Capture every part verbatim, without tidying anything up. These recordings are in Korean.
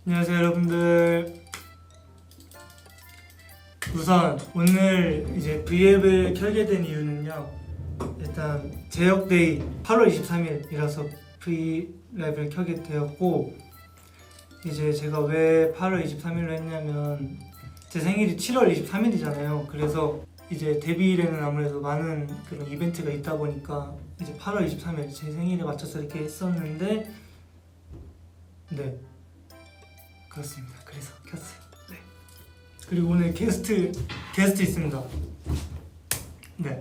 안녕하세요 여러분들. 우선 오늘 이제 브이앱을 켜게 된 이유는요, 일단 제역데이 팔월 이십삼일이라서 브이앱을 켜게 되었고, 이제 제가 왜 팔월 이십삼일로 했냐면 제 생일이 칠월 이십삼일이잖아요. 그래서 이제 데뷔일에는 아무래도 많은 그런 이벤트가 있다 보니까 이제 팔월 이십삼일 제 생일에 맞춰서 이렇게 했었는데, 네 그렇습니다. 그래서 켰어요. 네. 그리고 오늘 게스트 게스트 있습니다. 네.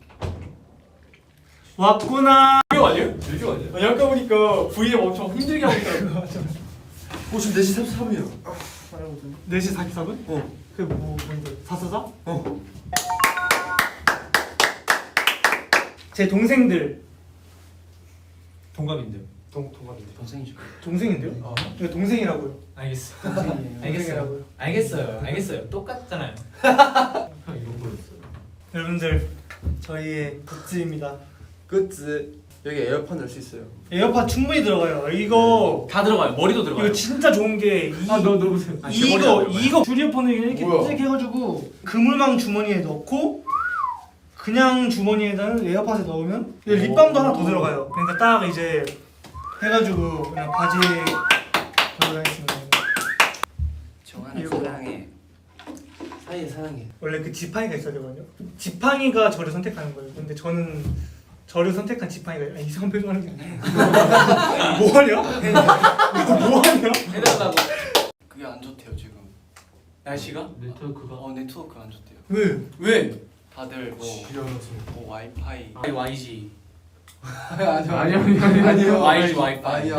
왔구나. 명 아니에요? 몇 명 아니에요? 아니 아까 보니까 브이앱 엄청 힘들게 하고 있더라고요. 어 지금 네 시 삼십삼 분이야. 네 시 사십사 분? 어. 그게 뭐 뭔데? 사사사? 어. 제 동생들. 동갑인데요. 동 동갑인데. 동생이죠. 동생인데요? 어. 왜 동생이라고요? 알겠어. 동생이에요. 알겠어요. 알겠어요. 알겠어요. 똑같잖아요. 이런 거였어요. 여러분들, 저희의 굿즈입니다. 굿즈. 여기 에어팟 넣을 수 있어요. 에어팟 충분히 들어가요. 이거 다 들어가요. 머리도 들어가요. 이거 진짜 좋은 게 이, 아, 너 넣어보세요. 아, 제 머리는 이거 안 들어가요. 이거 줄이어폰을 이렇게 뭐야? 딱 해가지고 그물망 주머니에 넣고 그냥 주머니에다는 에어팟에 넣으면 립밤도 하나 더 들어가요. 그러니까 딱 이제 해가지고 그냥 바지에 들어가겠습니다. 정한이 이거. 사랑해. 사이 사랑해. 원래 그 지팡이가 있어야 되거든요. 지팡이가 저를 선택하는 거예요. 근데 저는 저를 선택한 지팡이가 아니, 이상한 표정 하는 게 아니라 뭐하냐? 뭐하냐? 해달라고. 그게 안 좋대요 지금. 날씨가? 네트워크가? 어 네트워크 안 좋대요. 왜? 왜? 다들 뭐, 지려서. 뭐 와이파이. 아니 와이지. 아니요 아니요 아니요. 와이지 와이파이. 아니요.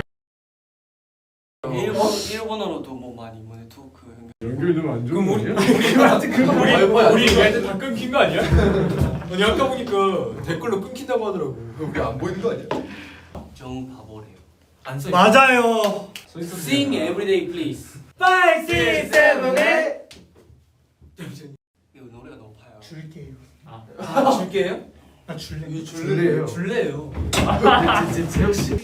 일본 일본어로도 뭐 많이 뭐 네트워크 연결. 연결되면 안 그럼 우리 거냐? 우리한테 그거 우리 와이파이 우리 안 얘한테 다 끊긴 거 아니야? 아니 아까 보니까 댓글로 끊긴다고 하더라고. 우리 안 보이는 거 아니야? 정 바보래요. 안 써. 맞아요. Sing everyday please. five, six, seven, eight. 이거 노래가 높아요. 줄게요. 아 줄게요? 아 줄래? 이거 줄래요. 줄래요. 제 재혁 씨.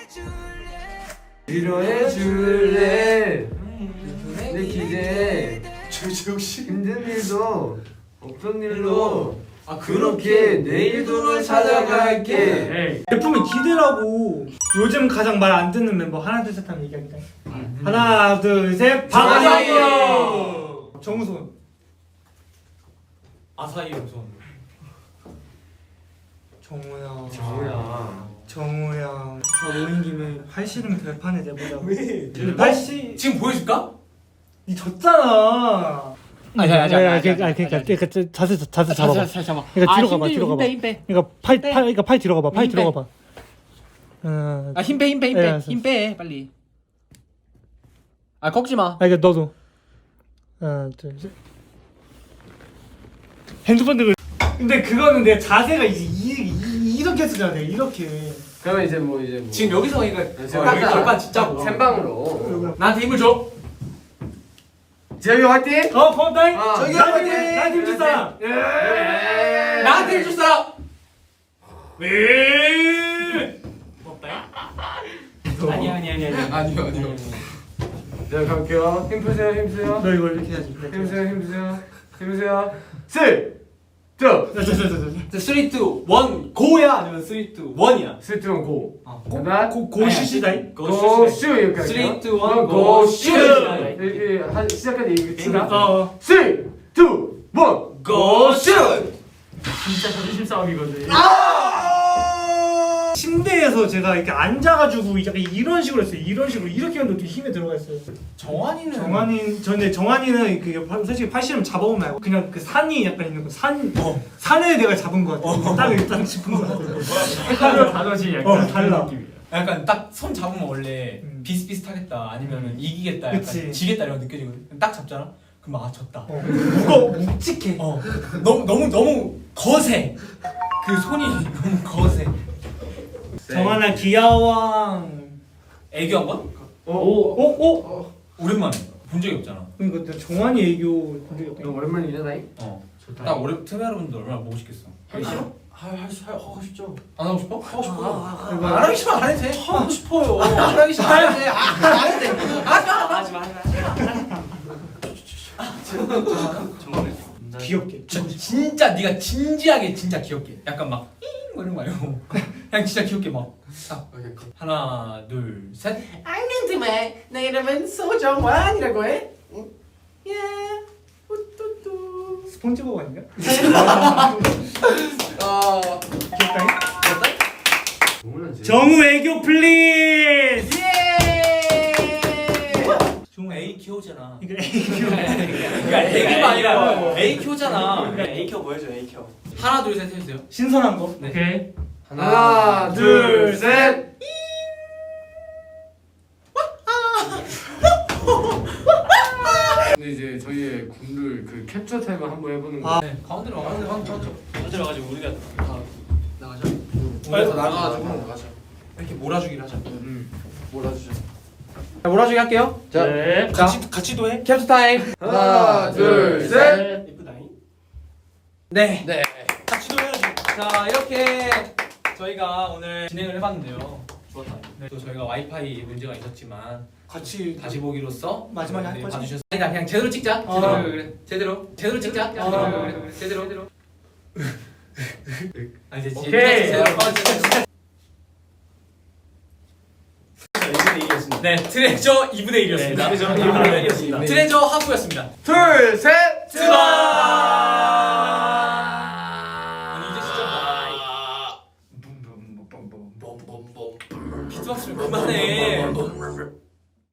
위로해 줄래. 내 기대. 재혁 씨. 힘든 일도 없던 일로. 아 그렇게 내일도 널 찾아갈게. 제품이 기대라고. 요즘 가장 말 안 듣는 멤버 하나 둘 셋 하면 얘기합니다. 하나 둘 셋. 박아요. 정우성. 아사히 우선. 정우야. 뭐야? 정우야. 다 모인 김에 팔씨름 결판에 내보자. 왜? 근데 팔씨 지금 보여줄까? 니 졌잖아. 아니 아니 아니 아니 그러니까 그러니까 그러니까 자세 자세 잡아봐. 잘 잡아. 그러니까 뒤로 아, 가봐. 힘 뒤로 가봐. 힘 빼, 힘 빼. 그러니까 팔 빼. 팔 그러니까 팔 뒤로 가봐. 팔 힘 뒤로 빼. 가봐. 어. 아, 힘 빼, 힘 빼, 힘 예, 빼. 알았어. 힘 빼, 빨리. 아, 꺾지 마. 아 이게 너도. 하나 둘 셋. 핸드폰 들고. 근데 그거는 내 자세가 이제 이, 이, 이렇게 쓰잖아. 내가 이렇게. 그러면 이제 뭐 이제 뭐. 지금 여기서 그러니까 지금 여기 여기서 절반 진짜고. 샘방으로. 나한테 힘을 줘. 재혁이 화이팅! 어 펌다잉. 어. 저기 나한테 나한테 줄 사람. 예. 나한테 해줄 사람. 왜? 없다. 아니 아니 아니 아니. 아니요 아니요. 자 갈게요. 힘 푸세요 힘 푸세요. 너 이거 이렇게 해야지. 힘 푸세요 힘 푸세요. 힘 푸세요. 쓰리, 투, 자자자자. 삼, 이, 일 고야 아니면 삼, 이, 일이야? 쓰리, 투, 고. 아, 고, 고 고시시다잉. 고슈 이렇게 삼, 이, 할게요. 일 그럼 고슈. 이렇게 한 시작까지 얘기 끝이다. 어. 쓰리, 투, 원, 고슛! 진짜 자존심 싸움이거든. 침대에서 제가 이렇게 앉아가지고 약간 이런 식으로 했어요. 이런 식으로 이렇게 하면 힘에 들어가 있어요. 정환이는 정환이 전에 정환이는 그 솔직히 팔씨름 잡아보면 말고 그냥 그 산이 약간 있는 거 산 어. 산에 내가 잡은 거 같아. 딱 일단 짚은 거 같아. 단어지 어, 달라. 약간 딱 손 잡으면 원래 음. 비슷비슷하겠다 아니면은 이기겠다 약간 그치. 지겠다 이런 거 느껴지거든. 딱 잡잖아. 그럼 아 졌다. 어. 무거 묵직해. 어. 너무 너무 너무 거세. 그 손이 너무 거세. 정환아 귀여워. 애교한 건? 오, 오 오. 오랜만에 본 적이 없잖아. 그러니까 내 정환이 애교 본 적이 너 없다. 오랜만이잖아. 어. 나 오래 트메 여러분들 얼마나 보고 싶겠어. 하기 싫어? 할수 하고 싶죠. 안 하고 싶어? 하고 싶어. 아, 안 하기 싫으면 안 해도 돼. 하고 싶어요. 안 하기 싫으면 안 해도 돼. 아, 안 해도 돼. 하지 마. 하지 마. 하지 정말 귀엽게. 저, 진짜 네가 진지하게 진짜 귀엽게. 약간 막 잉! 뭐 이런 거 말고 그냥 진짜 귀엽게 막 딱. 하나 둘 셋. 안녕하세요. 내 이름은 소정환이라고 해. 예. 우뚜뚜. 스폰지보브 아닌가? 어. 귀엽다잉? 정훈은 정우 애교 플리즈. 예. 정우 A 키오잖아. 이거 애교. 그러니까 애기가 아니라 A 키오잖아. A켜 보여줘 A켜. 하나 둘 셋 해주세요. 신선한 거. 네. 오케이. 하나, 둘, 셋. 근데 이제 저희의 군룰 그 캡처 타임을 한번 해보는 거. 아. 네. 가운데로 와. 가운데 가운데 가운데. 먼저 가지고 우리가 다 나가자. 빨리 나가가지고 나가자. 이렇게 몰아주기를 하자. 음. 몰아주자. 자, 몰아주기 할게요. 자, 네. 자, 같이 같이도 해. 캡처 타임. 하나, 둘, 셋. 이쁘다잉. 네. 네. 같이도 해야지. 자 이렇게 저희가 오늘 진행을 해봤는데요. 좋았다. 네. 또 저희가 와이파이 문제가 있었지만 같이 다시 보기로써 마지막에 할 네, 거지? 봐주셔서 아니다 그냥 제대로 찍자. 어. 제대로 그래, 그래. 제대로 제대로 찍자. 제대로 어. 그래, 그래. 제대로 제대로. 아 이제 오케이. 제대로 어, 제대로. 이분의 일이었습니다. 네 트레저 이분의 일이었습니다. 트레저 이분의 일이었습니다. 트레저 하프였습니다. 둘, 셋. 트바.